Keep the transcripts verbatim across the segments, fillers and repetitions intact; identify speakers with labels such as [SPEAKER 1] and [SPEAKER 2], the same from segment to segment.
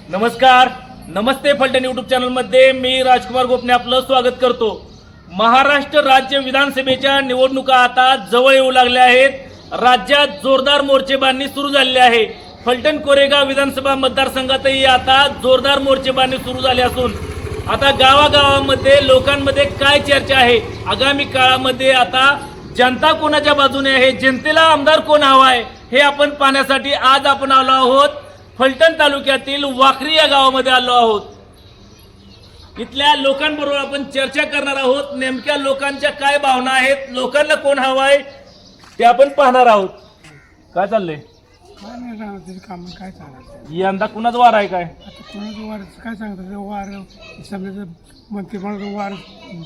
[SPEAKER 1] नमस्कार, नमस्ते फलटण यूट्यूब चॅनलमध्ये मी राजकुमार गोपने आपलं स्वागत करतो। महाराष्ट्र राज्य विधानसभेच्या निवडणुका आता जवळ येऊ लागल्या आहेत। राज्यात जोरदार मोर्चेबांधणी सुरू झाली आहे। फलटण कोरेगाव विधानसभा मतदारसंघातही आता जोरदार मोर्चेबांधणी सुरू झाली असून आता गावागावामध्ये लोकांमध्ये काय चर्चा आहे, आगामी काळामध्ये आता जनता कोणाच्या बाजूने आहे, जनतेला आमदार कोण हवा आहे हे आपण पाहण्यासाठी आज आपण आलो आहोत। फलटण तालुक्यातील वाखरी या गावामध्ये आलो आहोत। इथल्या लोकांबरोबर आपण चर्चा करणार आहोत। नेमक्या लोकांच्या काय भावना आहेत, लोकांना कोण हवा आहे ते आपण पाहणार आहोत। काय चाललंय?
[SPEAKER 2] काय नाही सांगत काम काय चालत
[SPEAKER 1] यंदा कुणाच वार आहे? काय
[SPEAKER 2] आता कोणाचं वार काय सांगतात वार समजा मंत्रिमंडळ वार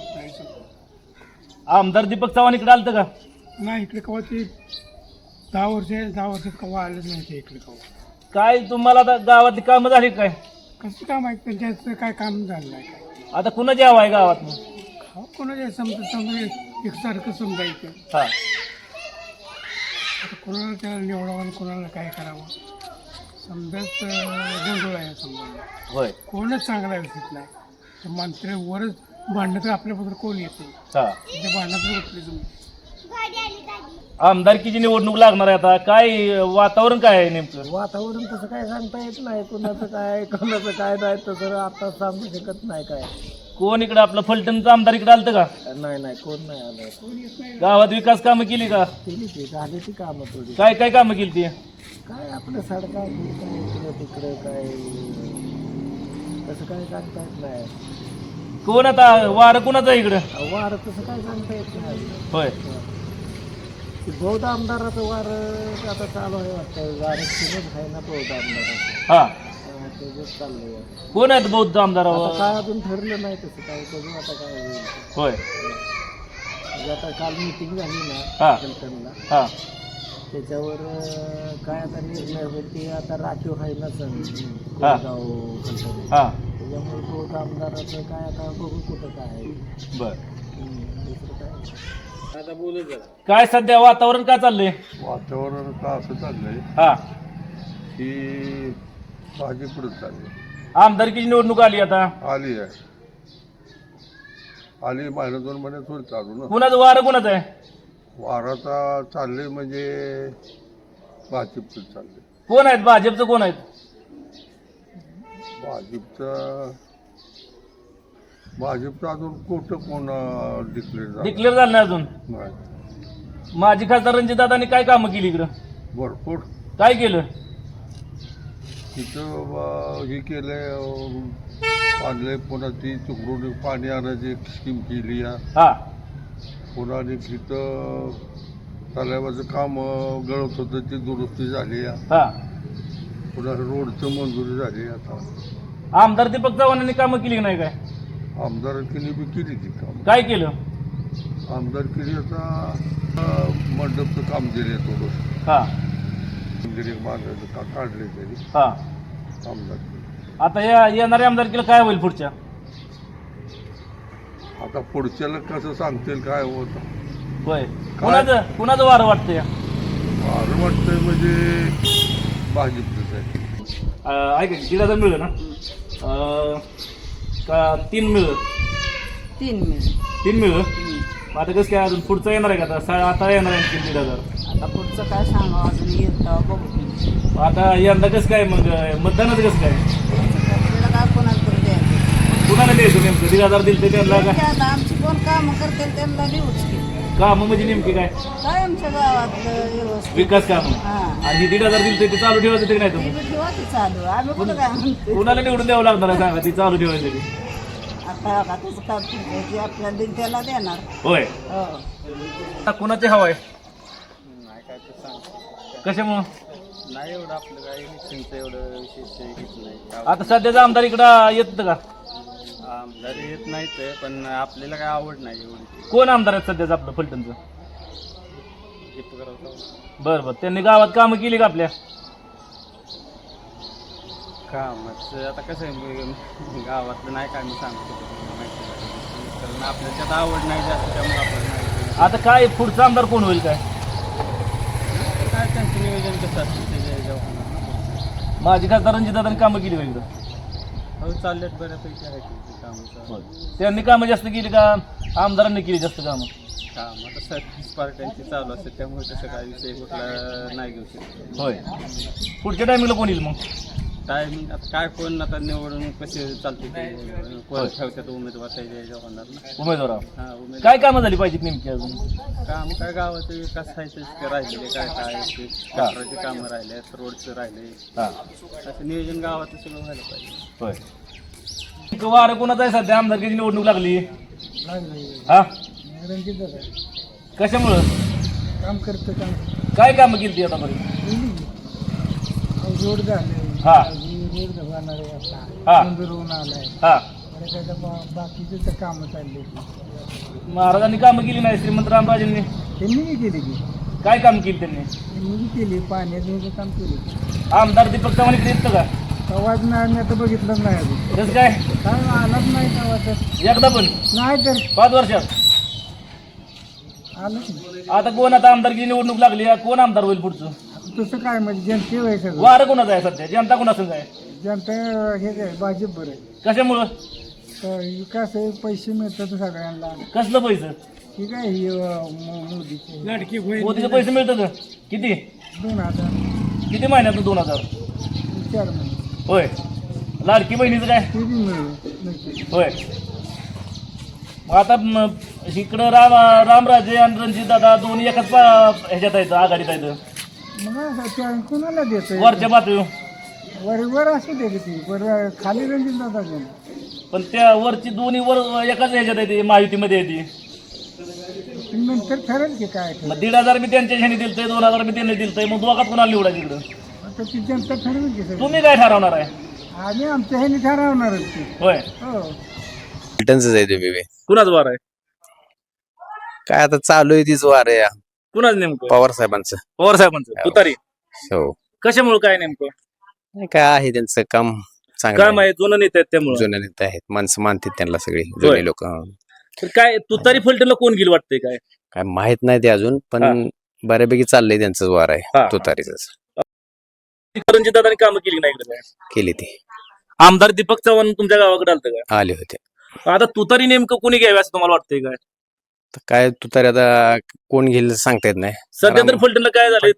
[SPEAKER 1] आमदार दीपक चव्हाण इकडे आलतं का?
[SPEAKER 2] नाही इकडे कवा ते दहा वर्ष दहा वर्षात कवा आलेच नाही ते इकडे कवा।
[SPEAKER 1] काय तुम्हाला आता गावातली कामं झाली काय?
[SPEAKER 2] कसं काम आहे त्यांच्याचं काय काम झालं नाही काय
[SPEAKER 1] आता कुणाची हवा आहे गावात?
[SPEAKER 2] हो कोणाच्या समजा समजा एकसारखं समजायचं
[SPEAKER 1] हा,
[SPEAKER 2] आता कोणाला त्याला निवडावं आणि कोणाला काय करावं समजाच गोंधळ आहे समजा।
[SPEAKER 1] होय,
[SPEAKER 2] कोणच चांगला व्यवस्थित नाही तर मंत्री वरच भांडणं तर आपल्याबद्दल कोण येते
[SPEAKER 1] हा।
[SPEAKER 2] त्या भांडणात उठले तुम्ही
[SPEAKER 1] आमदारकीची निवडणूक लागणार आहे आता, काय वातावरण काय आहे नेमकं?
[SPEAKER 3] वातावरण तसं काय सांगता येत नाही, कोणाचं काय कोणाचं काय नाही तसं आता सांगू शकत नाही काय।
[SPEAKER 1] कोण इकडे आपलं फलटणचं आमदार इकडे आलतं का?
[SPEAKER 3] नाही नाही कोण नाही आलं।
[SPEAKER 1] गावात विकास कामं केली का?
[SPEAKER 3] केली ती झाली ती कामं थोडी।
[SPEAKER 1] काय काय कामं केली ती?
[SPEAKER 3] काय आपलं सडका काय इकडं तिकडं काय तसं काय सांगता येत नाही।
[SPEAKER 1] कोण आता वार कुणाचं आहे इकडं?
[SPEAKER 3] वार तसं काय सांगता येत नाही।
[SPEAKER 1] होय,
[SPEAKER 3] बौद्ध आमदाराचं वार आता चालू आहे वाटतं, वार सुरूच आहे ना बौद्ध आमदाराचं।
[SPEAKER 1] हा,
[SPEAKER 3] त्याच चाललंय।
[SPEAKER 1] कोण आहेत बौद्ध आमदार?
[SPEAKER 3] आता काय अजून ठरलं नाही तसं काय, बघू आता काय होईल।
[SPEAKER 1] होय,
[SPEAKER 3] म्हणजे आता काल मीटिंग झाली ना
[SPEAKER 1] हा
[SPEAKER 3] फलटणला,
[SPEAKER 1] हा,
[SPEAKER 3] त्याच्यावर अं, काय आता निर्णय होईल ते आता राखीव आहे ना सण
[SPEAKER 1] हा.
[SPEAKER 3] गाव फलटण,
[SPEAKER 1] हा,
[SPEAKER 3] त्याच्यामुळे बौद्ध आमदाराचं काय आता बघू कुठं काय आहे।
[SPEAKER 1] बर।
[SPEAKER 3] हम्म, दुसरं काय आता बोलू जरा।
[SPEAKER 1] काय सध्या वातावरण काय चाललंय?
[SPEAKER 4] वातावरण का असं चाललंय
[SPEAKER 1] हा,
[SPEAKER 4] की भाजी पुढे चालली
[SPEAKER 1] आमदारकीची निवडणूक आली आता,
[SPEAKER 4] आली आहे आली महिना दोन महिन्यात होईल चालू ना।
[SPEAKER 1] कुणाचं वार कुणाचं आहे?
[SPEAKER 4] वाराचा चालले म्हणजे भाजपचं चालले।
[SPEAKER 1] कोण आहेत भाजपचं? कोण आहेत?
[SPEAKER 4] भाजपचं भाजपचं अजून कुठं कोण डिक्लेअर झालं
[SPEAKER 1] डिक्लेअर झालं नाही अजून?
[SPEAKER 4] नाही।
[SPEAKER 1] माजी खासदार रणजितदादांनी काय कामं केली इकडं?
[SPEAKER 4] भरपूर
[SPEAKER 1] काय केलं?
[SPEAKER 4] तिथं अं, हे केलंय आणलंय, पुन्हा ती चुकडून पाणी आणायची स्कीम केली आहे।
[SPEAKER 1] हा,
[SPEAKER 4] पुन्हा तिथं तलावाचं काम अं, गळत होतं ती दुरुस्ती झाली आहे।
[SPEAKER 1] हा,
[SPEAKER 4] पुन्हा रोडचं मंजुरी झाली आता।
[SPEAKER 1] आमदार दीपक चव्हाणांनी कामं केली की नाही? काय
[SPEAKER 4] आमदारकीने बी केली ती काम।
[SPEAKER 1] काय केलं?
[SPEAKER 4] आमदारकीने आता अं, मंडपचं काम दिले थोडं,
[SPEAKER 1] हा,
[SPEAKER 4] मंदिर बांधायचं का काढले तरी
[SPEAKER 1] हा।
[SPEAKER 4] आमदारकी।
[SPEAKER 1] आता या येणाऱ्या आमदारकीला काय होईल पुढच्या?
[SPEAKER 4] आता पुढच्याला कसं सांगतील काय होतं
[SPEAKER 1] होय, कुणाचं कुणाचं वार वाटतंय?
[SPEAKER 4] फार वाटतंय म्हणजे भाजपचंच आहे।
[SPEAKER 1] अं, ऐका दीड हजार मिळलं ना? अं, का तीन मिळलं?
[SPEAKER 5] तीन मिळेल.
[SPEAKER 1] तीन मिळलं? आता कसं काय अजून पुढचं येणार आहे का? आता सा- आता येणार आहे तीन दीड हजार।
[SPEAKER 5] आता पुढचं काय सांगा अजून येतं बघू.
[SPEAKER 1] आता यंदा कसं काय मग मतदानाचं कसं काय?
[SPEAKER 5] आपल्याला काय कोणाला तरी द्यायचं.
[SPEAKER 1] कुणाला द्यायचं नेमकं? दीड हजार दिलं ते त्यांना
[SPEAKER 5] ते
[SPEAKER 1] का?
[SPEAKER 5] आता आमची कोण कामं करतील त्यांना लिहूच की.
[SPEAKER 1] कामं म्हणजे नेमकी काय?
[SPEAKER 5] काय आमच्या गावातलं व्यवस्थित.
[SPEAKER 1] विकास कामं.
[SPEAKER 5] हा.
[SPEAKER 1] आणि दीड हजार दिलं ते चालू ठेवायचं ते नाही
[SPEAKER 5] ती
[SPEAKER 1] तुम्ही?
[SPEAKER 5] बी ठेवा की चालू. आम्ही कुठं काय म्हणतो.
[SPEAKER 1] कुणाला निवडून द्यावं लागणार आहे सांगा ती चालू ठेवायचं ते?
[SPEAKER 5] आता बघा तसं काम जे आपल्याला देईल त्याला देणार.
[SPEAKER 1] होय,
[SPEAKER 5] हो.
[SPEAKER 1] आता कुणाची हवा आहे?
[SPEAKER 3] नाही काय तर सांग
[SPEAKER 1] कशामुळं?
[SPEAKER 3] नाही एवढं आपलं काय इलेक्शनचं एवढं विशेष हेच नाही।
[SPEAKER 1] आता सध्याचा आमदार इकडं येत का?
[SPEAKER 3] आमदार येत नाहीत पण आपल्याला काय आवड नाही एवढी।
[SPEAKER 1] कोण आमदार आहेत सध्याचं आपलं फलटणचं?
[SPEAKER 3] दीपकराव
[SPEAKER 1] बरं बरं, त्यांनी गावात कामं केली का आपल्या?
[SPEAKER 3] कामाचं आता कसं आहे गावातलं नाही काय मी सांगतो माहिती नाही, कारण आपल्याला त्यात आवड नाही जास्त त्यामुळे आपल्याला नाही।
[SPEAKER 1] आता काय पुढचा आमदार कोण होईल काय?
[SPEAKER 3] काय त्यांचं नियोजन कसं असतं त्याच्या ह्याच्यावर होणार ना।
[SPEAKER 1] माझी खासदार रणजितदादांनी कामं केली पाहिजे.
[SPEAKER 3] हो चाललेत बऱ्यापैकी आहे की कामं चालू.
[SPEAKER 1] त्यांनी कामं जास्त केली का आमदारांनी केली जास्त कामं?
[SPEAKER 3] काम आता सगळीच पार्ट्यांची चालू असते त्यामुळे तसं काय विषय कुठला नाही घेऊ शकतो.
[SPEAKER 1] होय. पुढच्या टायमिंगला कोण येईल मग?
[SPEAKER 3] टायमिंग आता काय कोण आता निवडून कसे चालते ते कोण ठेवतात उमेदवार त्याच्या ह्याच्यावर होणार ना.
[SPEAKER 1] उमेदवार
[SPEAKER 3] हां उमेदवार
[SPEAKER 1] काय कामं झाली पाहिजेत नेमकी अजून?
[SPEAKER 3] काम काय गावाचे विकास आहे ते राहिलेले काय काय ते गटाराचे कामं राहिले रोडचं राहिले
[SPEAKER 1] हां
[SPEAKER 3] असं नियोजन गावाचं सगळं व्हायला पाहिजे.
[SPEAKER 1] होय. वारं कोणाचं आहे सध्या? आमदारकीची निवडणूक लागली हा
[SPEAKER 2] रणजित
[SPEAKER 1] कशामुळं?
[SPEAKER 2] काम करतं काम
[SPEAKER 1] काय कामं केली ती आतापर्यंत?
[SPEAKER 2] रोड झाले
[SPEAKER 1] हा
[SPEAKER 2] रोड जाणार आहे
[SPEAKER 1] हा.
[SPEAKER 2] आता मंजूर होऊन आलाय
[SPEAKER 1] हा
[SPEAKER 2] बरं काय बाकीचे तर कामं चालले
[SPEAKER 1] महाराजांनी कामं केली नाही श्रीमंत रामराजेंनी?
[SPEAKER 2] त्यांनी बी केली की
[SPEAKER 1] काय काम केली त्यांनी?
[SPEAKER 2] त्यांनी बी केली पाण्याचं काम केलं.
[SPEAKER 1] आमदार दीपक चव्हाण इकडे येतं का?
[SPEAKER 2] आवाज नाही मी आता बघितलंच नाही अजून
[SPEAKER 1] कसं काय?
[SPEAKER 2] काय आलाच नाही तेव्हा तर
[SPEAKER 1] एकदा पण
[SPEAKER 2] नाही तर
[SPEAKER 1] पाच वर्षात
[SPEAKER 2] आलंच नाही.
[SPEAKER 1] आता कोण आता आमदारकीची निवडणूक लागली आहे, कोण आमदार होईल पुढचं?
[SPEAKER 2] आता तसं काय म्हणजे जनते व्हाय सगळं
[SPEAKER 1] वारं कोणाचं आहे सध्या? जनता कोणाचं आहे?
[SPEAKER 2] जनता हे काय भाजप बरं आहे.
[SPEAKER 1] कशामुळं?
[SPEAKER 2] तर विकास आहे पैसे मिळतात सगळ्यांना
[SPEAKER 1] कसलं पैसे?
[SPEAKER 2] ठीक आहे ही अं, मो- मोदीचे लाडकी
[SPEAKER 1] मोदीचे पैसे मिळतात किती?
[SPEAKER 2] दोन हजार
[SPEAKER 1] किती महिन्यातून दोन हजार?
[SPEAKER 2] चार महिने
[SPEAKER 1] होय. लाडकी बहिणीचं काय?
[SPEAKER 2] ते बी मिळेल मिळते.
[SPEAKER 1] होय. मग आता म, इकडं राम रामराजे आणि रणजित दादा दोन्ही एकाच पा- ह्याच्यात आहेत, आघाडीत आहेत.
[SPEAKER 2] मग असं त्या कोणाला देतोय
[SPEAKER 1] वरच्या पातळीवर.
[SPEAKER 2] वर वर असू दे ती वर खाली रणजित दादा कोण
[SPEAKER 1] पण त्या वरची दोन्ही वर एकाच ह्याच्यात आहे, महायुतीमध्ये येते.
[SPEAKER 2] नंतर ठरेल की काय
[SPEAKER 1] मग दीड हजार मी त्यांच्या ह्याने दिलतंय, दोन हजार मी त्यांनी दिलतंय, मग दोघात कोणाला निवडायचं इकडं?
[SPEAKER 2] आता ती जनता ठरवेल की सगळं
[SPEAKER 1] तुम्ही काय ठरवणार आहे?
[SPEAKER 2] आम्ही आमच्या ह्याने ठरवणारच की
[SPEAKER 1] होय.
[SPEAKER 2] हो
[SPEAKER 6] रिटर्नच आहे तुम्ही
[SPEAKER 1] कुणाच वार आहे?
[SPEAKER 6] काय आता चालू आहे तीच वार आहे
[SPEAKER 1] कुणाच नेमकं?
[SPEAKER 6] पवार साहेबांचं.
[SPEAKER 1] पवार साहेबांचं तुतारी.
[SPEAKER 6] हो
[SPEAKER 1] कशामुळे काय नेमकं?
[SPEAKER 6] नाही, काय आहे त्यांचं काम चांगलं
[SPEAKER 1] काय
[SPEAKER 6] आहे.
[SPEAKER 1] माहिती जुनं नेते आहेत त्यामुळे.
[SPEAKER 6] जुने नेते आहेत माणसं मानतात त्यांना सगळी जुने लोक.
[SPEAKER 1] तर काय तुतारी फलटणला कोण गेल वाटतंय काय?
[SPEAKER 6] काय माहित नाही ते अजून पण
[SPEAKER 1] हा.
[SPEAKER 6] बऱ्यापैकी चाललंय त्यांचंच वार
[SPEAKER 1] हा.
[SPEAKER 6] आहे तुतारीच
[SPEAKER 1] रणजित दादांनी कामं केली नाही इकडे काय?
[SPEAKER 6] केली ती
[SPEAKER 1] आमदार दीपक चव्हाण तुमच्या गावाकडे आलतं काय?
[SPEAKER 6] आले होते.
[SPEAKER 1] आता तुतारी नेमकं कोणी घ्यावी असं तुम्हाला वाटतंय काय?
[SPEAKER 6] तर काय तुतारी आता कोण घेईल सांगता येत नाही.
[SPEAKER 1] सध्या तर
[SPEAKER 6] राम-
[SPEAKER 1] फलटणला काय झालंय?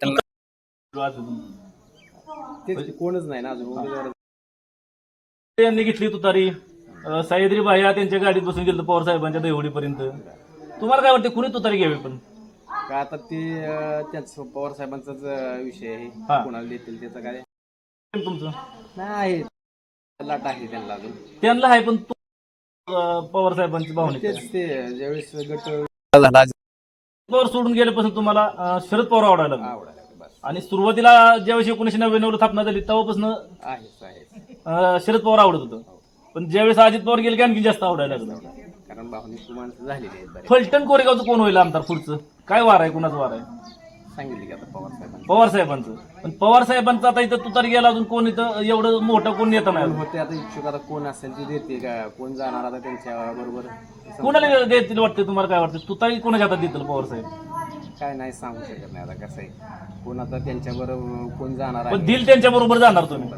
[SPEAKER 6] कोणच नाही ना अजून.
[SPEAKER 1] यांनी घेतली तुतारी. अं, सह्याद्री भाया त्यांच्या गाडीत बसून गेलं पवार साहेबांच्या देवडीपर्यंत. तुम्हाला काय वाटतं कुणी तुतारी घ्यावी? पण
[SPEAKER 6] का आता ते त्यांचं पवार साहेबांचाच विषय
[SPEAKER 1] हा.
[SPEAKER 6] आहे कोणाला देतील त्याचं काय
[SPEAKER 1] तुमचं
[SPEAKER 6] नाही लाट आहे त्यांना अजून.
[SPEAKER 1] त्यांना आहे पण तू अं, पवार साहेबांची भावना आहे.
[SPEAKER 6] तेच ते ज्यावेळेस गट झाला
[SPEAKER 1] पवार सोडून गेल्यापासून तुम्हाला अं, शरद पवार आवडायला लागले.
[SPEAKER 6] आवडायला बस
[SPEAKER 1] आणि सुरुवातीला ज्यावेळेस एकोणीशे नव्याण्णव ला स्थापना झाली तेव्हापासून
[SPEAKER 6] आहेच आहे
[SPEAKER 1] अं, शरद पवार आवडत होतं. पण ज्यावेळेस अजित पवार गेले की आणखी जास्त आवडायला लागलं.
[SPEAKER 6] कारण भावनिक माणसं झालेली आहेत बरेच.
[SPEAKER 1] फलटण कोरेगावचं कोण होईल आमदार पुढचं? काय वार आहे? कुणाचं वार आहे?
[SPEAKER 6] सांगितलं की आता पवार साहेबांनी
[SPEAKER 1] पवार साहेबांचं. पण पवार साहेबांचं आता इथं तुतारी गेला अजून कोण इथं एवढं मोठं कोण नेता नाही.
[SPEAKER 6] होते आता इच्छुक आता कोण असेल ते देते का कोण जाणार आता त्यांच्या बरोबर
[SPEAKER 1] कोणाला देतील वाटतं? तुम्हाला काय वाटतं तुतारी कोणाच्या हातात देतील पवार साहेब?
[SPEAKER 6] काय नाही सांगू शकत नाही आता कसं आहे कोण आता त्यांच्या बरोबर कोण जाणार
[SPEAKER 1] पण
[SPEAKER 6] आहे
[SPEAKER 1] दिल त्यांच्या बरोबर जाणार तुम्ही?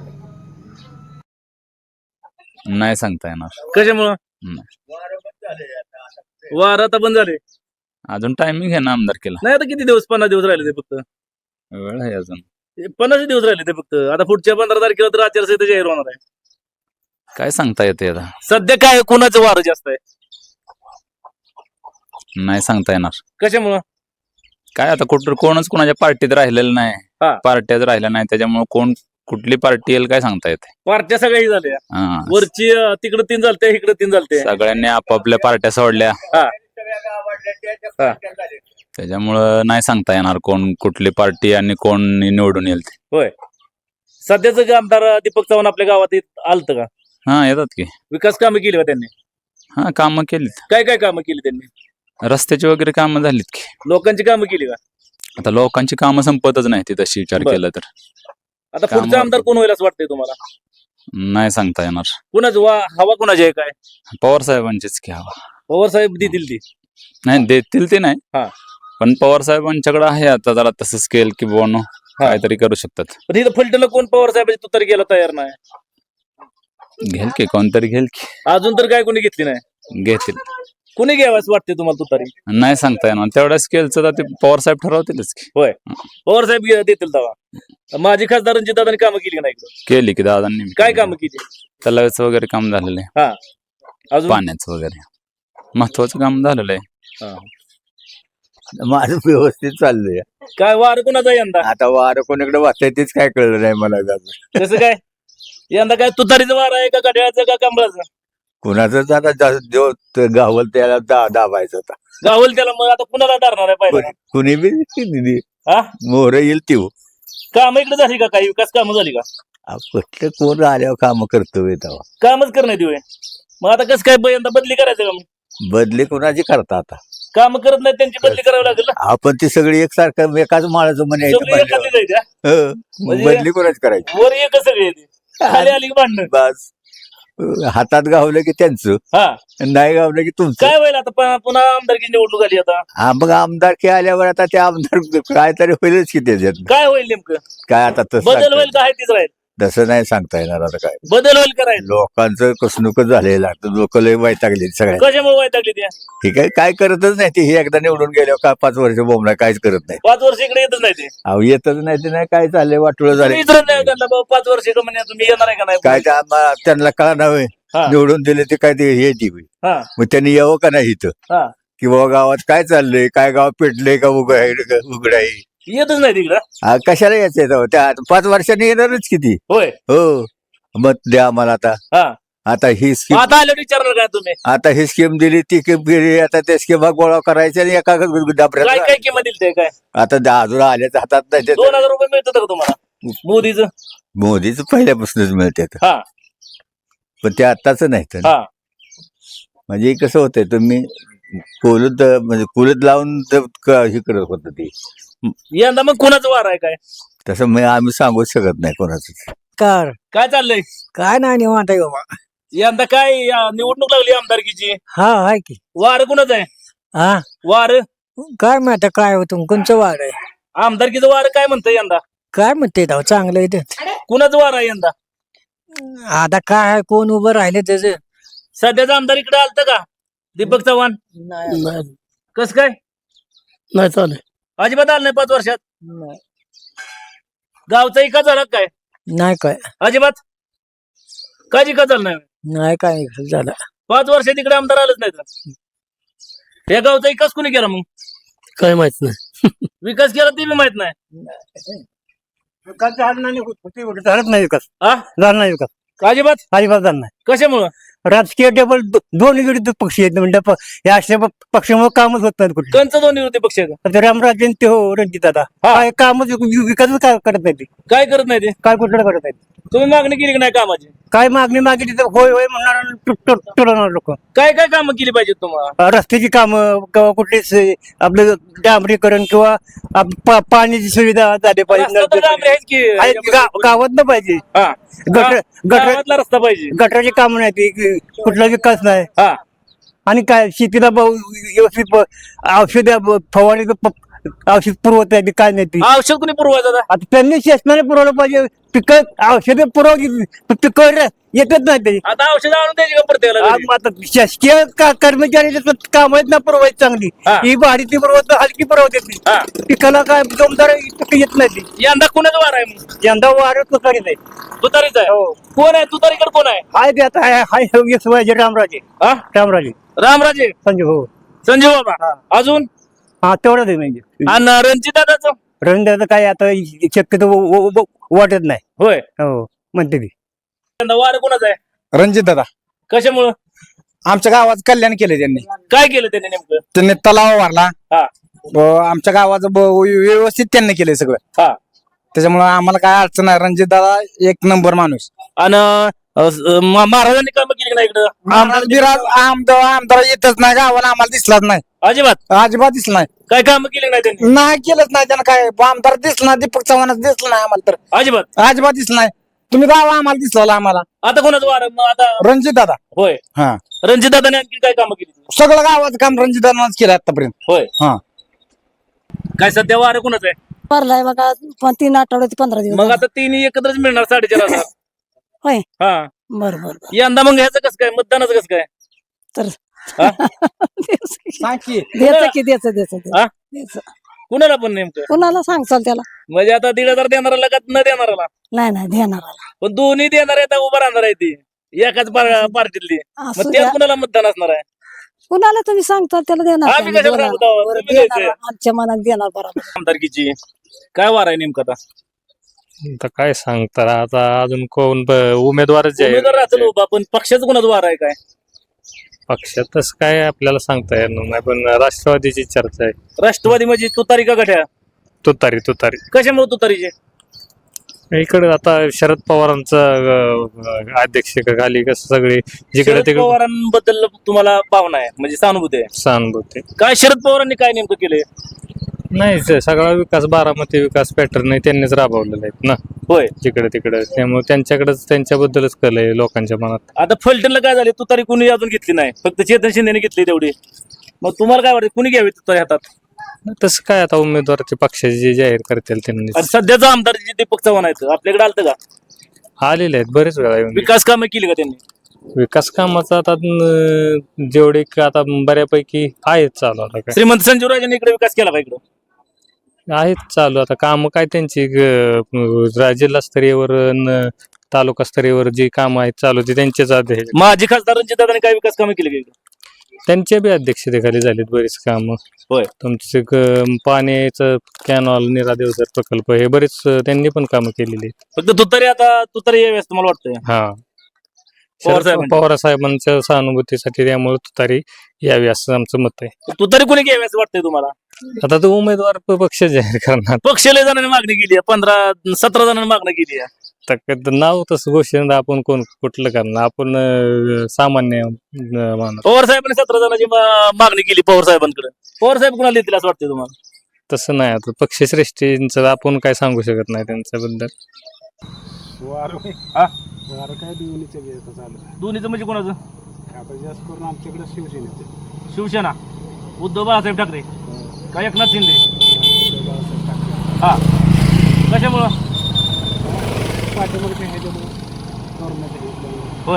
[SPEAKER 7] नाही सांगता येणार.
[SPEAKER 1] कशामुळं? वार आता बंद झाले.
[SPEAKER 7] अजून टायमिंग आहे ना आमदार केला.
[SPEAKER 1] नाही आता किती दिवस? पन्नास दिवस राहिले ते फक्त.
[SPEAKER 7] वेळ आहे अजून.
[SPEAKER 1] पन्नास दिवस राहिले ते फक्त. आता पुढच्या पंधरा तारखेला तर आचारसंहिता जाहीर होणार आहे.
[SPEAKER 7] काय सांगता येते आता.
[SPEAKER 1] सध्या काय कोणाचं वार जास्त आहे?
[SPEAKER 7] नाही सांगता येणार.
[SPEAKER 1] कशामुळं?
[SPEAKER 7] काय आता कुठं कोणच कोणाच्या पार्टीत राहिलेलं
[SPEAKER 1] हा.
[SPEAKER 7] नाही. पार्ट्याच राहिल्या नाही त्याच्यामुळे कोण कुठली पार्टी येईल काय सांगता येते.
[SPEAKER 1] पार्ट्या सगळ्याही झाल्या.
[SPEAKER 7] हा.
[SPEAKER 1] वरची अं, तिकडं तीन चालते, इकडे तीन चालते.
[SPEAKER 7] सगळ्यांनी आपापल्या पार्ट्या सोडल्या
[SPEAKER 1] हा. हा.
[SPEAKER 7] त्याच्यामुळं नाही सांगता येणार कोण कुठली पार्टी आणि कोण निवडून येईल ते.
[SPEAKER 1] होय. सध्याचं जे आमदार दीपक चव्हाण आपल्या गावात येत- आलतं का?
[SPEAKER 7] हा येतात की.
[SPEAKER 1] विकास कामं केली का त्यांनी?
[SPEAKER 7] हा कामं केलीत.
[SPEAKER 1] काय काय कामं केली त्यांनी?
[SPEAKER 7] रस्त्याची वगैरे कामं झालीत की.
[SPEAKER 1] लोकांची कामं केली का?
[SPEAKER 7] आता लोकांची कामं संपतच नाही ती तशी विचार
[SPEAKER 1] बरं.
[SPEAKER 7] केला तर.
[SPEAKER 1] आता
[SPEAKER 7] कामं-
[SPEAKER 1] पुढचा आमदार कोण होईल असं वाटतंय तुम्हाला?
[SPEAKER 7] नाही सांगता येणार.
[SPEAKER 1] कुणाच वा हवा कुणाची आहे काय?
[SPEAKER 7] पवार साहेबांचीच की हवा.
[SPEAKER 1] पवार साहेब देतील ती.
[SPEAKER 7] नाही देतील ते नाही
[SPEAKER 1] हा.
[SPEAKER 7] पण पवार साहेबांच्याकडे आहे आता जरा तसं स्केल की बोनो काहीतरी करू शकतात.
[SPEAKER 1] पण इथं फलटणला कोण पवार साहेबाची तुतारी गेला तयार नाही.
[SPEAKER 7] घेल की कोणतरी घेल की
[SPEAKER 1] अजून तर काय कोणी घेतली नाही.
[SPEAKER 7] घेतील.
[SPEAKER 1] कुणी घ्यावं असं वाटते तुम्हाला तुतारी?
[SPEAKER 7] नाही सांगता येणार तेवढ्या स्केलचं तर ते पवार साहेब ठरवतीलच की.
[SPEAKER 1] होय, पवार साहेब घे- देतील तेव्हा. माझी खासदार रणजितदादांनी कामं केली का नाही इकडं?
[SPEAKER 7] केली की दादांनी
[SPEAKER 1] काय कामं केली?
[SPEAKER 7] तलावाचं वगैरे काम झालेलं आहे.
[SPEAKER 1] हा, अजून
[SPEAKER 7] पाण्याचं वगैरे महत्वाचं काम झालेलं आहे.
[SPEAKER 1] हा.
[SPEAKER 8] माझं व्यवस्थित चाललंय.
[SPEAKER 1] काय वार कुणाचा आहे यंदा?
[SPEAKER 8] आता वारं कोणीकडे वाचतंय तेच काय कळलं नाही मला अजून.
[SPEAKER 1] कसं काय यंदा काय तुतारीचं वार आहे का घड्याळाचं का कमळाचं?
[SPEAKER 8] कुणाचंच आता जास्त देव त- गावल त्याला दा दाबायचं आता.
[SPEAKER 1] गावल त्याला मग आता कुणाला धरणार आहे पहिला?
[SPEAKER 8] कुणी- कुणी बी दिली
[SPEAKER 1] हा,
[SPEAKER 8] मोहर येईल ती हो.
[SPEAKER 1] काम इकडे झाली का? काही विकास कामं झाली का?
[SPEAKER 8] आ, कुठलं कोण आल्यावर काम करतोय तेव्हा.
[SPEAKER 1] कामच करण्यात येऊ. मग आता कसं काय ब- यंदा बदली करायचं का? मग
[SPEAKER 8] बदली कोणाची करता आता.
[SPEAKER 1] काम करत नाही त्यांची बदली करावी लागेल ना.
[SPEAKER 8] आपण ती सगळी एकसारखं एकाच माळाचं म्हणे
[SPEAKER 1] सगळी एखादी जायची, हा? म्हणजे-
[SPEAKER 8] बदली कोणाची करायची.
[SPEAKER 1] वर एक सगळी येते, खाली आली की भांडण.
[SPEAKER 8] बस हातात गावलं की त्यांचं,
[SPEAKER 1] हा,
[SPEAKER 8] नाही गावलं की तुमचं.
[SPEAKER 1] काय होईल आता? प- पुन्हा आमदारकी निवडणूक आली आता.
[SPEAKER 8] हा, मग आमदारकी आल्यावर आता ते आमदार काय तरी होईलच की त्याच्यात.
[SPEAKER 1] काय होईल नेमकं?
[SPEAKER 8] काय आता तसं
[SPEAKER 1] बदल
[SPEAKER 8] सांगता
[SPEAKER 1] होईल का? आहे तीच राहील?
[SPEAKER 8] तसं नाही सांगता येणार आता काय.
[SPEAKER 1] बदल होईल का? राहील?
[SPEAKER 8] लोकांचं कसणूकच झालेलं आहे. लोक लय वैतागले सगळ्या.
[SPEAKER 1] कशामुळे वैतागली त्या?
[SPEAKER 8] हे काय काय करतच नाही ते. हे एकदा निवडून गेल्यावर का पाच वर्ष बोमला काहीच करत नाही.
[SPEAKER 1] पाच वर्ष इकडे येतच नाही ते.
[SPEAKER 8] अहो येतच नाही ते नाही काय चाललंय वाटोळं
[SPEAKER 1] तुम्ही
[SPEAKER 8] झाले
[SPEAKER 1] विचारत नाही त्यांना बाबा पाच वर्ष का म्हणे तुम्ही येणार आहे का नाही?
[SPEAKER 8] काय त्या आम्हा- त्यांना का नव्हे
[SPEAKER 1] हा.
[SPEAKER 8] निवडून दिले ते काय ते हे ती
[SPEAKER 1] हा,
[SPEAKER 8] मग त्यांनी यावं का नाही इथं
[SPEAKER 1] हा.
[SPEAKER 8] की बाबा गावात काय चाललंय काय गाव पेटलंय का उघड आहे उघड आहे.
[SPEAKER 1] येतच नाही तिकडं.
[SPEAKER 8] हा, कशाला यायचंय तेव्हा? त्या पाच वर्षांनी येणारच किती.
[SPEAKER 1] होय,
[SPEAKER 8] हो मत द्या आम्हाला आता.
[SPEAKER 1] हा.
[SPEAKER 8] आता ही स्कीम
[SPEAKER 1] आता आल्यावर विचारणार काय तुम्ही?
[SPEAKER 8] आता ही स्कीम दिली ती स्कीम दिली आता त्या स्कीमा गोळा करायच्या आणि एका
[SPEAKER 1] काय
[SPEAKER 8] डाबऱ्यात
[SPEAKER 1] काय किंमत दिली ते काय?
[SPEAKER 8] आता दहा अजून आल्याच्या हातात नाही ते.
[SPEAKER 1] दोन हजार रुपये मिळतात का तुम्हाला मोदीचं?
[SPEAKER 8] मोदीच पहिल्यापासूनच मिळते
[SPEAKER 1] हा,
[SPEAKER 8] पण ते आताच नाही तर.
[SPEAKER 1] हा.
[SPEAKER 8] म्हणजे कसं होतंय तुम्ही कुलत म्हणजे कुलत लावून ते क- हे करत होत ते.
[SPEAKER 1] यंदा मग कुणाचं वार आहे काय?
[SPEAKER 8] तसं मी आम्ही सांगूच शकत नाही कोणाचं.
[SPEAKER 2] कार
[SPEAKER 1] काय चाललंय
[SPEAKER 2] काय नाही निवांत आहे बाबा.
[SPEAKER 1] यंदा काय या निवडणूक लागली आमदारकीची,
[SPEAKER 2] हा आहे की.
[SPEAKER 1] वार कुणाचं आहे?
[SPEAKER 2] हा,
[SPEAKER 1] वार
[SPEAKER 2] काय माहिती काय होतं कोणचं वार आहे.
[SPEAKER 1] आमदारकीचं वार काय म्हणतंय यंदा?
[SPEAKER 2] काय म्हणते तेव्हा चांगलं आहे ते.
[SPEAKER 1] कुणाचं वार आहे यंदा?
[SPEAKER 2] आता काय आहे, कोण उभं राहिले त्याचं.
[SPEAKER 1] सध्याचा आमदार इकडे आलत का? दीपक चव्हाण. कस काय
[SPEAKER 2] नाही चालेल.
[SPEAKER 1] अजिबात आलं नाही पाच वर्षात? गावचा विकास झाला का काय?
[SPEAKER 2] नाही काय
[SPEAKER 1] अजिबात काय विकास झाला नाही?
[SPEAKER 2] नाही काय झालं.
[SPEAKER 1] पाच वर्षात इकडे आमदार आलंच नाही तर या गावचा विकास कोणी केला? मग
[SPEAKER 2] काय माहित नाही.
[SPEAKER 1] विकास केला ते बी माहित नाही.
[SPEAKER 2] विकास झाला नाही झालंच नाही विकास.
[SPEAKER 1] हा,
[SPEAKER 2] झाला नाही विकास
[SPEAKER 1] अजिबात.
[SPEAKER 2] अजिबात झाला नाही.
[SPEAKER 1] कशामुळं?
[SPEAKER 2] राजकीय टेबल दोन विरोधी पक्ष आहेत म्हणजे प- या अशा प- पक्षामुळे कामच होत नाही कुठे.
[SPEAKER 1] कंच दोन विरोधी पक्ष आहेत.
[SPEAKER 2] आता रामराजे आणि ते हो रणजित दादा
[SPEAKER 1] हा.
[SPEAKER 2] काय कामच वि- विकासच काय करत नाही ते.
[SPEAKER 1] काय करत नाही ते?
[SPEAKER 2] काय कुठलं करत नाही.
[SPEAKER 1] तुम्ही मागणी केली की नाही कामाची?
[SPEAKER 2] काय मागणी मागितली तर होय होय म्हणणार टोलवणार लोक.
[SPEAKER 1] काय काय कामं केली पाहिजेत तुम्हाला?
[SPEAKER 2] रस्त्याची कामं किंवा कुठलीच आपलं डांबरीकरण किंवा आप- पा- पाण्याची सुविधा झाली पाहिजे.
[SPEAKER 1] रस्ता तर डांबरी आहेच की.
[SPEAKER 2] आहेत, गा- गावात न पाहिजे.
[SPEAKER 1] हा.
[SPEAKER 2] गटर गटर
[SPEAKER 1] गावातला रस्ता पाहिजे.
[SPEAKER 2] गटराची कामं नाही ती की कुठला विकास नाही.
[SPEAKER 1] हा,
[SPEAKER 2] आणि काय शेतीला ब- व्यवस्थित औषध फवारणी औषध पुरवत नाही ती काय नाही ती.
[SPEAKER 1] औषध कोणी पुरवायचं आता?
[SPEAKER 2] आता त्यांनी शासनाने पुरवलं पाहिजे. पिकं औषध पुरवली पिकं येतच नाही ते.
[SPEAKER 1] आता औषध आणून द्यायची का प्रत्येकाला घरी?
[SPEAKER 2] आता शासकीय का- कर्मचारी काम आहेत ना पुरवायची चांगली.
[SPEAKER 1] हा.
[SPEAKER 2] ही भारी ती पुरवत हलकी पुरवते ती.
[SPEAKER 1] हा.
[SPEAKER 2] पिकाला काय जोमदार पिकं येत नाही ती.
[SPEAKER 1] यंदा कुणाचा वार आहे? मग
[SPEAKER 2] यंदा वारं तुकारी नाही.
[SPEAKER 1] तुतारीच आहे.
[SPEAKER 2] हो.
[SPEAKER 1] कोण आहे तुतारीकडे? कोण आहे?
[SPEAKER 2] हाय ते आता हाय हाय यश वयाचे रामराजे
[SPEAKER 1] हा,
[SPEAKER 2] रामराजे
[SPEAKER 1] रामराजे,
[SPEAKER 2] संजय हो.
[SPEAKER 1] संजीव बाबा.
[SPEAKER 2] हा.
[SPEAKER 1] अजून
[SPEAKER 2] हा तेवढंच आहे म्हणजे.
[SPEAKER 1] आणि रणजित दादाचं?
[SPEAKER 2] रणदाचं काय आता शक्यतो व- व- व- वाटत नाही.
[SPEAKER 1] होय.
[SPEAKER 2] हो म्हणते ती.
[SPEAKER 1] यंदा वार कोणाचा आहे?
[SPEAKER 9] रणजित दादा
[SPEAKER 1] कशामुळं?
[SPEAKER 9] आमच्या गावाचं कल्याण केले त्यांनी.
[SPEAKER 1] काय केलं त्याने नेमकं?
[SPEAKER 9] त्यांनी तलाव वारला.
[SPEAKER 1] हा,
[SPEAKER 9] व आमच्या गावाचं ब- व्यवस्थित त्यांनी केलंय सगळं.
[SPEAKER 1] हा.
[SPEAKER 9] त्याच्यामुळे आम्हाला काय अडचण नाही. रणजित दादा एक नंबर माणूस.
[SPEAKER 1] आणि अ, स- म- महाराजांनी कामं केली नाही इकडं?
[SPEAKER 9] आमदार बिराज आमदार आमदार येतच नाही गावाला आम्हाला दिसलाच नाही.
[SPEAKER 1] अजिबात
[SPEAKER 9] अजिबात दिसला नाही.
[SPEAKER 1] काय कामं केली नाही त्यांनी?
[SPEAKER 9] नाही केलंच नाही त्यानं काय. आमदार दिसला नाही. दीपक चव्हाणच दिसला नाही आम्हाला तर.
[SPEAKER 1] अजिबात.
[SPEAKER 9] अजिबात दिसला नाही. तुम्ही गावा आम्हाला दिसला आम्हाला.
[SPEAKER 1] आता कोणाचं वार आहे? मग आता
[SPEAKER 9] रणजित दादा.
[SPEAKER 1] होय.
[SPEAKER 9] हा
[SPEAKER 1] रणजित दादाने आणखी काय कामं केली?
[SPEAKER 9] सगळं गावाचं काम रणजित दादाच केलं आतापर्यंत.
[SPEAKER 1] होय.
[SPEAKER 9] हा
[SPEAKER 1] काय सध्या वार कोणाचं आहे?
[SPEAKER 10] भरलाय बघा पण तीन आठवडे ते पंधरा दिवस
[SPEAKER 1] मग आता तिन्ही एकत्रच मिळणार साडेचार हजार.
[SPEAKER 10] होय.
[SPEAKER 1] हा,
[SPEAKER 5] बर बर बर.
[SPEAKER 1] यंदा मग ह्याचं कसं काय मतदानाचं कसं काय
[SPEAKER 5] तर
[SPEAKER 1] हा?
[SPEAKER 6] सांग की
[SPEAKER 5] द्यायचं की द्यायचं द्यायचं
[SPEAKER 1] हा?
[SPEAKER 5] द्यायचं.
[SPEAKER 1] कुणाला पण नेमकं
[SPEAKER 5] कुणाला सांगचाल त्याला
[SPEAKER 1] म्हणजे आता दीड हजार देणाराला का न देणाराला
[SPEAKER 5] नाही नाही देणाराला
[SPEAKER 1] पण दोन्ही देणार आहेत उभं राहणार आहे ती एकाच पार- पार्टीतली मग
[SPEAKER 5] असू
[SPEAKER 1] त्यात
[SPEAKER 5] द्या.
[SPEAKER 1] कुणाला मतदान असणार आहे
[SPEAKER 5] कुणाला तुम्ही सांगता त्याला देणार
[SPEAKER 1] आम्ही
[SPEAKER 5] की आम्ही
[SPEAKER 1] कशाला
[SPEAKER 5] देणार.
[SPEAKER 1] सांगतो आहोत?
[SPEAKER 5] बरं,
[SPEAKER 1] तुम्ही
[SPEAKER 5] देणार.
[SPEAKER 1] द्यायचं.
[SPEAKER 5] आमच्या मनात देणार बरोबर.
[SPEAKER 1] आमदारकीची काय वार आहे नेमकं आता
[SPEAKER 10] आता काय सांगता आता अजून कोण ब- उमेदवारच आहे
[SPEAKER 1] उमेदवार राहतो उभा पण पक्षाचं कुणाचं वार आहे काय
[SPEAKER 10] पक्षातच काय आपल्याला सांगता येणार नाही पण राष्ट्रवादीची चर्चा आहे.
[SPEAKER 1] राष्ट्रवादी म्हणजे तुतारी का गठ्या
[SPEAKER 10] तुतारी तुतारी
[SPEAKER 1] कशामुळे तुतारीचे
[SPEAKER 10] इकडे आता शरद पवारांचं अध्यक्षतेखाली कसं सगळे जिकडे
[SPEAKER 1] शरद
[SPEAKER 10] तिकडे
[SPEAKER 1] पवारांबद्दल तुम्हाला भावना आहे म्हणजे सहानुभूती आहे
[SPEAKER 10] सहानुभूती
[SPEAKER 1] काय शरद पवारांनी काय नेमकं केलंय
[SPEAKER 10] नाही ते सगळा विकास बारामती विकास पॅटर्न त्यांनीच राबवलेला आहेत ना
[SPEAKER 1] होय
[SPEAKER 10] जिकडे तिकडे त्यामुळे त्यांच्याकडेच त्यांच्याबद्दलच कल आहे लोकांच्या मनात.
[SPEAKER 1] आता फलटणला काय झाले तुतारी कुणी अजून घेतली नाही फक्त चेतन शिंदेने घेतली तेवढी मग तुम्हाला काय वाटतं कुणी घ्यावी तुतारी हातात
[SPEAKER 10] तसं काय आता उमेदवाराचे पक्षाचे जे जाहीर करतील त्यांनी
[SPEAKER 1] आणि सध्याचा आमदार जे दीपक चव्हाण आहेत आपल्याकडे आलतं का
[SPEAKER 10] आलेले आहेत बरेच वेळा येऊन
[SPEAKER 1] विकास कामं केली का त्यांनी
[SPEAKER 10] विकास कामाचा आता अं, जेवढे क- आता बऱ्यापैकी आहेत चालू आता काय
[SPEAKER 1] श्रीमंत संजीव राजांनी इकडे विकास केला का इकडं
[SPEAKER 10] आहेत चालू आता काम काय त्यांची ग- रा- जिल्हास्तरीयवर न तालुका स्तरीयवर जी कामं आहेत चालू ती त्यांचेच आदेश
[SPEAKER 1] माजी खासदार रणजित दादांनी काय विकास कामं केली का इकडं
[SPEAKER 10] त्यांच्या बी अध्यक्षतेखाली झालीत बरीच कामं.
[SPEAKER 1] होय.
[SPEAKER 10] तुमचे ग- पाण्याचं कॅनॉल निरा देवधर प्रकल्प हे बरेच अं, त्यांनी पण कामं केलेली आहेत.
[SPEAKER 1] फक्त तुतारी आता तुतारी यावी असं मला वाटतंय
[SPEAKER 10] हा
[SPEAKER 1] पवार
[SPEAKER 10] शरद
[SPEAKER 1] साहेबांची.
[SPEAKER 10] पवार साहेबांच्या सहानुभूतीसाठी त्यामुळे तुतारी यावी असं आमचं मत आहे.
[SPEAKER 1] तुतारी कोणी घ्यावी असं वाटतंय तुम्हाला
[SPEAKER 10] आता तो उमेदवार प- पक्ष जाहीर करणार
[SPEAKER 1] पक्ष लय जणांनी मागणी केली आहे पंधरा सतरा जणांनी मागणी केली आहे
[SPEAKER 10] तर क- नाव तसं घोषणा आपण कोण कुठलं करणार आपण अं, सामान्य अं, माणूस
[SPEAKER 1] पवार साहेबांनी सतरा जणांची मा- मागणी केली पवार साहेबांकडे पवार साहेब कुणाला देतील असं वाटतंय तुम्हाला
[SPEAKER 10] तसं नाही आता पक्षश्रेष्ठींचं आपण काय सांगू शकत नाही त्यांच्याबद्दल.
[SPEAKER 3] वार
[SPEAKER 1] हा?
[SPEAKER 3] वार काय दोन्हीचे बी आता चालू आहे.
[SPEAKER 1] दोन्हीचं म्हणजे कोणाचं
[SPEAKER 3] आता जास्त करून आमच्याकडे शिवसेनेचे
[SPEAKER 1] शिवसेना उद्धव बाळासाहेब ठाकरे का एकनाथ शिंदे हा कशामुळं
[SPEAKER 3] पाठीमागचे ह्याच्यामुळे गव्हर्नमेंट
[SPEAKER 1] होय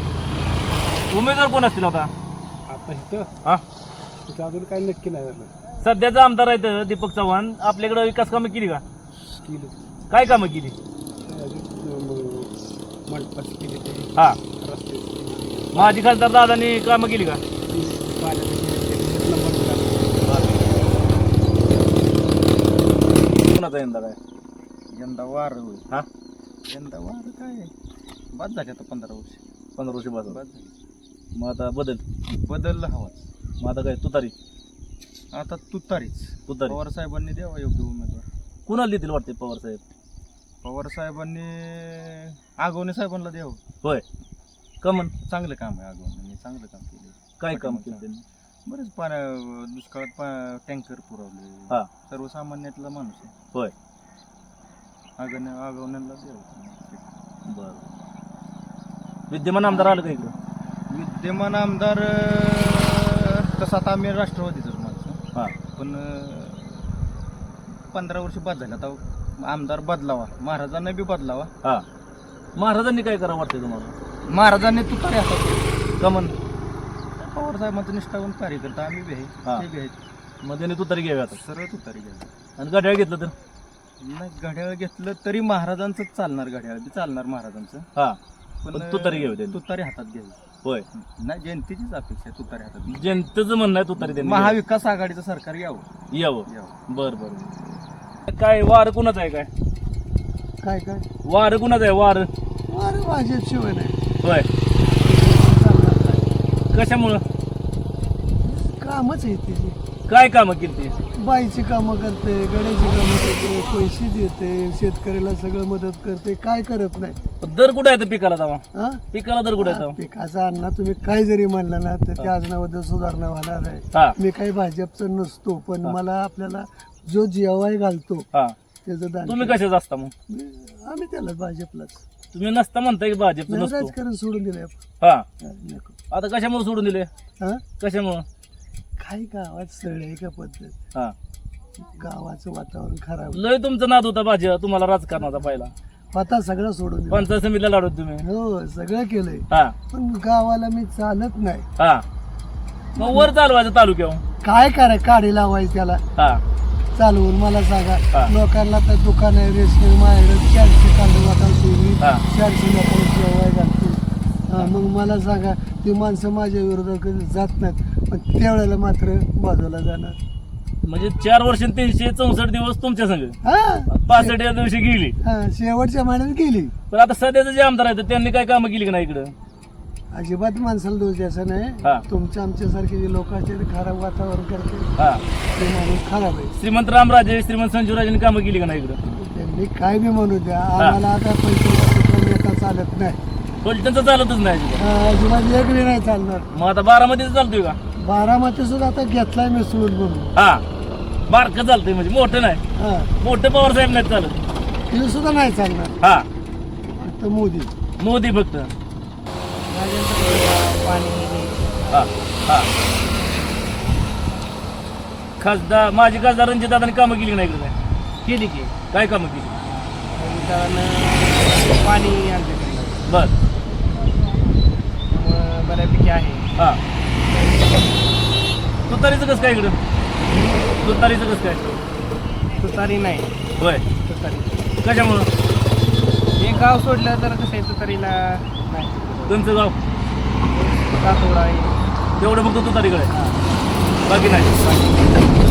[SPEAKER 1] उमेदवार कोण असतील आता
[SPEAKER 3] आता इथं
[SPEAKER 1] हा
[SPEAKER 3] तिथं अजून काही नक्की नाही झालं.
[SPEAKER 1] सध्याचा आमदार आहेत दीपक चव्हाण आपल्याकडे विकास कामं केली का
[SPEAKER 3] केली
[SPEAKER 1] काय कामं केली
[SPEAKER 3] मंडपाची केली ते
[SPEAKER 1] हा
[SPEAKER 3] रस्ते केली,
[SPEAKER 1] माजी खासदार दादांनी कामं केली का
[SPEAKER 3] पाण्याची केली, एक नंबर दिला.
[SPEAKER 1] कोणाचा यंदा काय
[SPEAKER 6] यंदा वार होईल
[SPEAKER 1] हा
[SPEAKER 6] यंदा वार काय बाद झाले आता पंधरा वर्ष
[SPEAKER 1] पंधरा वर्ष बाद
[SPEAKER 6] बाद झाले
[SPEAKER 1] मग आता बदल
[SPEAKER 6] बदलला हवा
[SPEAKER 1] मग आता काय तुतारी
[SPEAKER 6] आता तुतारीच
[SPEAKER 1] तुतारी
[SPEAKER 6] पवार साहेबांनी द्यावा योग्य उमेदवार.
[SPEAKER 1] कुणाला देतील वाटते पवार साहेब
[SPEAKER 6] पवार साहेबांनी आगवणे साहेबांना द्यावं.
[SPEAKER 1] होय कमन
[SPEAKER 6] चांगलं काम आहे आगवणे चांगलं काम केलं.
[SPEAKER 1] काय काम केलं त्यांनी
[SPEAKER 6] बरेच पाण्या दुष्काळात पा टँकर पुरवले.
[SPEAKER 1] हा.
[SPEAKER 6] सर्वसामान्यातला माणूस आहे.
[SPEAKER 1] होय
[SPEAKER 6] आगवणे आगवण्याला द्यावं.
[SPEAKER 1] बर विद्यमान आमदार आलं का इकडं
[SPEAKER 6] विद्यमान आमदार अं, तसं आता आम्ही राष्ट्रवादीचंच माणूस
[SPEAKER 1] हा
[SPEAKER 6] पण अं, पंधरा वर्ष बाद झाले आता आमदार बदलावा महाराजांना बी बदलावा.
[SPEAKER 1] हा महाराजांनी काय करावं वाटतंय तुम्हाला
[SPEAKER 6] महाराजांनी तुतारी हातात
[SPEAKER 1] कमन
[SPEAKER 6] पवार साहेबांचं निष्ठावून कार्यकर्ता आम्ही बी आहे
[SPEAKER 1] हा.
[SPEAKER 6] ते बी आहेत
[SPEAKER 1] मग त्यांनी तुतारी घ्यावी आता
[SPEAKER 6] सरळ तुतारी घ्यावी.
[SPEAKER 1] आणि गड्याळ घेतलं तर
[SPEAKER 6] नाही घड्याळ घेतलं तरी महाराजांचंच चालणार घड्याळ बी चालणार महाराजांचं
[SPEAKER 1] हा
[SPEAKER 6] पण
[SPEAKER 1] पण तुतारी घ्यावी त्यांनी.
[SPEAKER 6] तुतारी हातात घ्यावी.
[SPEAKER 1] होय
[SPEAKER 6] नाही जनतेचीच अपेक्षा आहे तुतारी हातात घ्यावी.
[SPEAKER 1] जनतेचं म्हणणं आहे तुतारी त्यांनी घ्यावी.
[SPEAKER 6] महाविकास आघाडीचं सरकार यावं
[SPEAKER 1] यावं
[SPEAKER 6] यावं
[SPEAKER 1] बर बर काय वार कुणाचं आहे काय
[SPEAKER 3] काय काय
[SPEAKER 1] वार कुणाचं आहे वार
[SPEAKER 3] अरे भाजप शिवाय नाही
[SPEAKER 1] होय कशामुळं
[SPEAKER 3] कामच आहे तिची
[SPEAKER 1] काय कामं केली ती
[SPEAKER 3] बाईची कामं करते गड्याची कामं करते पैसे देते शेतकऱ्याला सगळं मदत करते काय करत नाही
[SPEAKER 1] दर कुठे आहे पिकाला जावा
[SPEAKER 3] हा
[SPEAKER 1] पिकाला दर कुठे आहे
[SPEAKER 3] पिकाचा अण्णा तुम्ही काय जरी म्हणलं ना तर त्या अजूनाबद्दल सुधारणा होणार आहे.
[SPEAKER 1] हा
[SPEAKER 3] मी काही भाजपचं नसतो पण मला आपल्याला जो जेवाय घालतो
[SPEAKER 1] हा
[SPEAKER 3] त्याचं दान
[SPEAKER 1] तुम्ही
[SPEAKER 3] केलं.
[SPEAKER 1] कशाच असता मग
[SPEAKER 3] आम्ही त्याला भाजपलाच
[SPEAKER 1] तुम्ही नसता म्हणताय की भाजपचं
[SPEAKER 3] नाही,
[SPEAKER 1] नसतो
[SPEAKER 3] राजकारण सोडून दिलंय आपण.
[SPEAKER 1] हा
[SPEAKER 3] हा, नको.
[SPEAKER 1] आता कशामुळे सोडून दिले
[SPEAKER 3] हा
[SPEAKER 1] कशामुळं
[SPEAKER 3] काही गावात सळ आहे का पद्धत
[SPEAKER 1] हा
[SPEAKER 3] गावाचं वातावरण खराब
[SPEAKER 1] लय तुमचा नाद होता भाजी तुम्हाला राजकारणाचा पाहिला
[SPEAKER 9] आता सगळं सोडून दिलं.
[SPEAKER 1] पंचायत समितीला लाडवत तुम्ही
[SPEAKER 9] हो सगळं केलंय
[SPEAKER 1] हा
[SPEAKER 9] पण गावाला मी चालत नाही.
[SPEAKER 1] हा मग वर चालवायचं तालुक्यावर
[SPEAKER 9] काय कराय काढी लावायची त्याला
[SPEAKER 1] हा
[SPEAKER 9] चालवून मला
[SPEAKER 1] हा.
[SPEAKER 9] सांगा. लोकांना तर दुकान आहे रेशनिंग माझ्याकडे चारशे काढून वाटायची मी
[SPEAKER 1] हा.
[SPEAKER 9] चारशे लोकांना जेवाय घालतो. हा, मग मला सांगा ती माणसं माझ्या विरोधात कधी जात नाहीत पण त्यावेळेला मात्र बाजूला जाणार.
[SPEAKER 1] म्हणजे चार वर्ष तीनशे चौसष्ट दिवस तुमच्या संग
[SPEAKER 9] हा
[SPEAKER 1] पासष्ट या दिवशी गेली.
[SPEAKER 9] हा शेवटच्या महिन्यात गेली.
[SPEAKER 1] पण आता सध्याचं जे आमदार आहेत त्यांनी काय कामं केली का नाही इकडं?
[SPEAKER 9] अजिबात माणसाला दोष द्यायचा
[SPEAKER 1] हा.
[SPEAKER 9] नाही. तुमच्या आमच्यासारखे जे लोक असते ते खराब वातावरण करते
[SPEAKER 1] हा
[SPEAKER 9] ते माणूस खराब आहे.
[SPEAKER 1] श्रीमंत रामराजे श्रीमंत संजूराजेंनी कामं केली का नाही इकडं?
[SPEAKER 9] त्यांनी काय बी म्हणू द्या आम्हाला आता पैसे नेता चालत नाही.
[SPEAKER 1] फलटणचं चालतच नाही इकडं.
[SPEAKER 9] हा, अजिबात वेगळी नाही चालणार.
[SPEAKER 1] मग आता बारामतीच चालतोय का?
[SPEAKER 9] बारामती सुद्धा आता घेतलाय मी सोडून म्हणून.
[SPEAKER 1] हा बारकं चालतंय म्हणजे मोठं नाही.
[SPEAKER 9] हा
[SPEAKER 1] मोठं पवार साहेब नाही चालत.
[SPEAKER 9] ते सुद्धा नाही चालणार.
[SPEAKER 1] हा
[SPEAKER 9] फक्त मोदी.
[SPEAKER 1] मोदी फक्त.
[SPEAKER 6] पाणी
[SPEAKER 1] हा हा खासदार माजी खासदार रणजित दादांनी कामं केली का नाही इकडे?
[SPEAKER 6] केली की
[SPEAKER 1] काय कामं केली?
[SPEAKER 6] पाणी आमच्याकडे
[SPEAKER 1] बर
[SPEAKER 6] बऱ्यापैकी आहे.
[SPEAKER 1] हा तुतारीचं कसं काय इकडं? तुतारीचं कसं काय?
[SPEAKER 6] तुतारी नाही.
[SPEAKER 1] होय
[SPEAKER 6] तुतारी
[SPEAKER 1] कशामुळं?
[SPEAKER 6] हे गाव सोडलं तर कसं आहे तुतारीला नाही.
[SPEAKER 1] तुमचं गाव
[SPEAKER 6] सातोडा आहे
[SPEAKER 1] तेवढं फक्त तुतारीकडे आहे. बाकी नाही.